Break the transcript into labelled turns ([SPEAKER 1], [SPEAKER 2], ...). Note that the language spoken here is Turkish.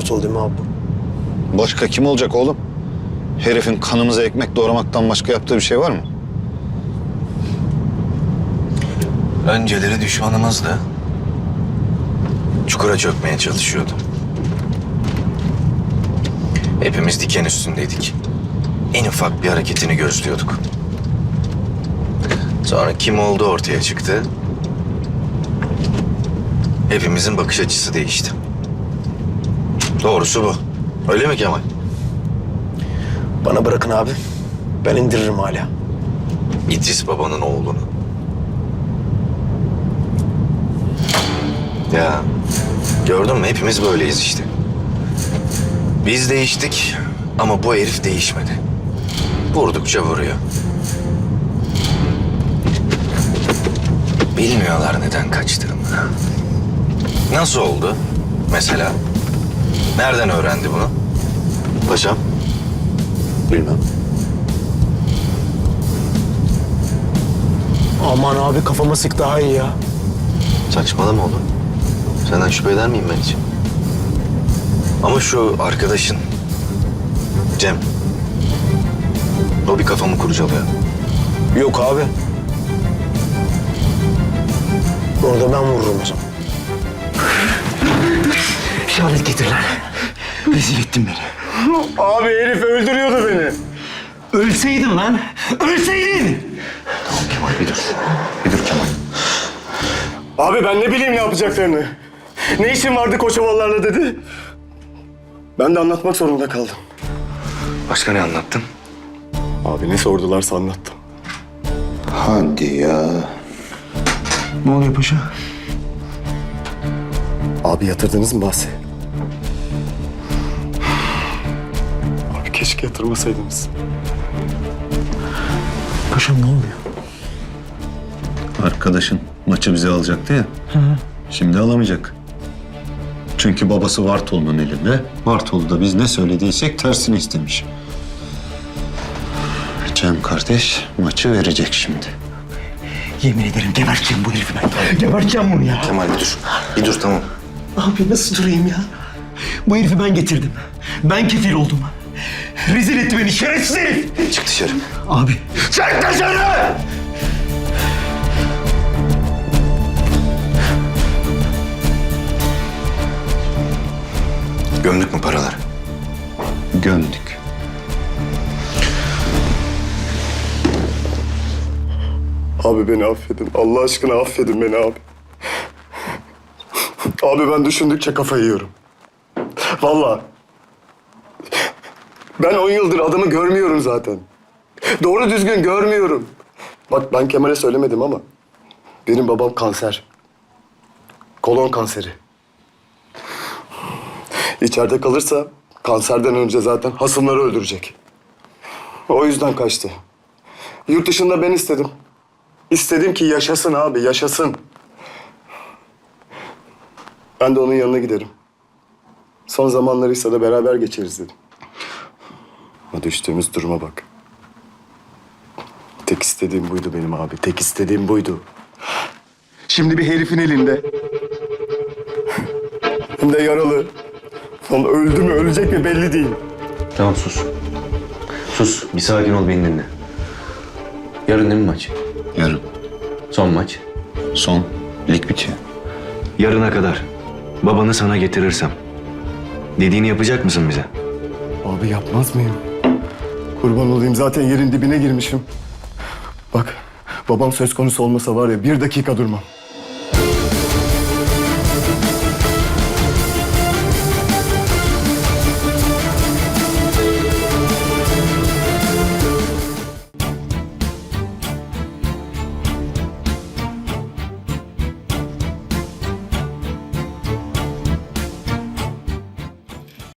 [SPEAKER 1] Bartol değil mi abi?
[SPEAKER 2] Başka kim olacak oğlum? Herifin kanımıza ekmek doğramaktan başka yaptığı bir şey var mı?
[SPEAKER 3] Önceleri düşmanımızdı. Çukura çökmeye çalışıyordu. Hepimiz diken üstündeydik. En ufak bir hareketini gözlüyorduk. Sonra kim oldu ortaya çıktı. Hepimizin bakış açısı değişti. Doğrusu bu. Öyle mi Kemal?
[SPEAKER 1] Bana bırakın abi. Ben indiririm hala.
[SPEAKER 3] İdris babanın oğlunu. Ya gördün mü? Hepimiz böyleyiz işte. Biz değiştik ama bu herif değişmedi. Vurdukça vuruyor. Bilmiyorlar neden kaçtığımı. Nasıl oldu mesela? Nereden öğrendi bunu? Paşam?
[SPEAKER 2] Bilmem.
[SPEAKER 1] Aman abi kafama sık daha iyi ya.
[SPEAKER 3] Saçmalama oğlum. Senden şüphe eder miyim ben hiç? Ama şu arkadaşın Cem. O bir kafamı kurcalıyor.
[SPEAKER 1] Yok abi. Orada ben vururum o zaman.
[SPEAKER 4] Şehadet getir lan. Rezil ettin beni.
[SPEAKER 1] Abi herif öldürüyordu beni.
[SPEAKER 4] Ölseydin lan. Ölseydin.
[SPEAKER 3] Tamam Kemal bir dur. Bir dur Kemal.
[SPEAKER 1] Abi ben ne bileyim ne yapacaklarını. Ne işin vardı Koçovalılarla dedi. Ben de anlatmak zorunda kaldım.
[SPEAKER 3] Başka ne anlattın?
[SPEAKER 1] Abi ne sordularsa anlattım.
[SPEAKER 2] Hadi ya.
[SPEAKER 4] Ne oluyor paşa?
[SPEAKER 1] Abi yatırdınız mı bahsi? Abi keşke yatırmasaydınız.
[SPEAKER 4] Paşam ne oluyor?
[SPEAKER 2] Arkadaşın maçı bize alacaktı ya. Şimdi alamayacak. Çünkü babası Vartolu'nun elinde. Vartolu da biz ne söylediysek tersini istemiş. Cem kardeş maçı verecek şimdi.
[SPEAKER 4] Yemin ederim geberteceğim bu herifi ben. Geberteceğim bunu ya.
[SPEAKER 3] Kemal bir dur. Bir dur tamam.
[SPEAKER 4] Abi nasıl durayım ya? Bu herifi ben getirdim. Ben kefil oldum. Rezil etti beni şerefsiz herif.
[SPEAKER 3] Çık dışarı.
[SPEAKER 4] Abi. Çık dışarı!
[SPEAKER 3] Gömdük mü paraları?
[SPEAKER 2] Gömdük.
[SPEAKER 1] Abi beni affedin. Allah aşkına affedin beni abi. Abi ben düşündükçe kafayı yiyorum. Vallahi. Ben 10 yıldır adamı görmüyorum zaten. Doğru düzgün görmüyorum. Bak ben Kemal'e söylemedim ama benim babam kanser. Kolon kanseri. İçeride kalırsa kanserden önce zaten hasımları öldürecek. O yüzden kaçtı. Yurt dışında ben istedim. İstedim ki yaşasın abi, yaşasın. Ben de onun yanına giderim. Son zamanlarıysa da beraber geçeriz dedim. Ama düştüğümüz duruma bak. Tek istediğim buydu benim abi, tek istediğim buydu. Şimdi bir herifin elinde. Hem de yaralı. Lan öldü mü, ölecek mi belli değil.
[SPEAKER 5] Tamam sus. Sus. Bir sakin ol beni dinle. Yarın değil mi maç?
[SPEAKER 2] Yarın.
[SPEAKER 5] Son maç.
[SPEAKER 2] Son. Lig bitiyor.
[SPEAKER 5] Yarına kadar babanı sana getirirsem dediğini yapacak mısın bize?
[SPEAKER 1] Abi yapmaz mıyım? Kurban olayım zaten yerin dibine girmişim. Bak babam söz konusu olmasa var ya 1 dakika durmam.